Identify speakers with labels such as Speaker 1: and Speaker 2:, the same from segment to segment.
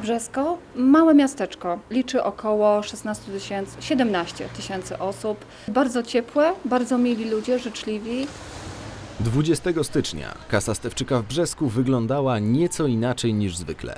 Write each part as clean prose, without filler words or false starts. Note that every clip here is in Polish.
Speaker 1: Brzesko, małe miasteczko, liczy około 17 tysięcy osób. Bardzo ciepłe, bardzo mili ludzie, życzliwi.
Speaker 2: 20 stycznia kasa Stefczyka w Brzesku wyglądała nieco inaczej niż zwykle.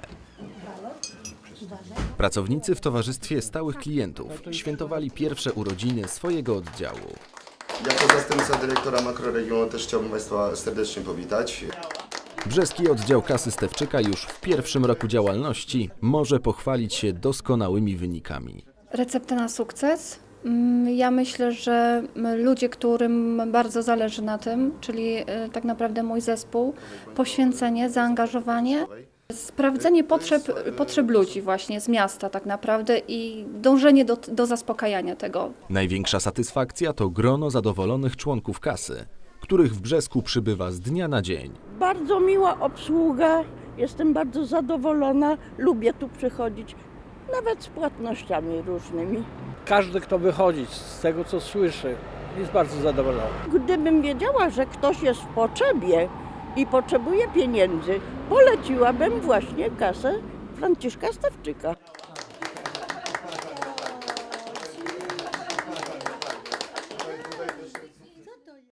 Speaker 2: Pracownicy w towarzystwie stałych klientów świętowali pierwsze urodziny swojego oddziału.
Speaker 3: Jako zastępca dyrektora makroregionu też chciałbym Państwa serdecznie powitać.
Speaker 2: Brzeski oddział kasy Stefczyka już w pierwszym roku działalności może pochwalić się doskonałymi wynikami.
Speaker 1: Recepta na sukces? Ja myślę, że ludzie, którym bardzo zależy na tym, czyli tak naprawdę mój zespół, poświęcenie, zaangażowanie, sprawdzenie potrzeb ludzi właśnie z miasta tak naprawdę i dążenie do zaspokajania tego.
Speaker 2: Największa satysfakcja to grono zadowolonych członków kasy, których w Brzesku przybywa z dnia na dzień.
Speaker 4: Bardzo miła obsługa, jestem bardzo zadowolona, lubię tu przychodzić, nawet z płatnościami różnymi.
Speaker 5: Każdy, kto wychodzi z tego, co słyszy, jest bardzo zadowolony.
Speaker 4: Gdybym wiedziała, że ktoś jest w potrzebie i potrzebuje pieniędzy, poleciłabym właśnie kasę Franciszka Stefczyka.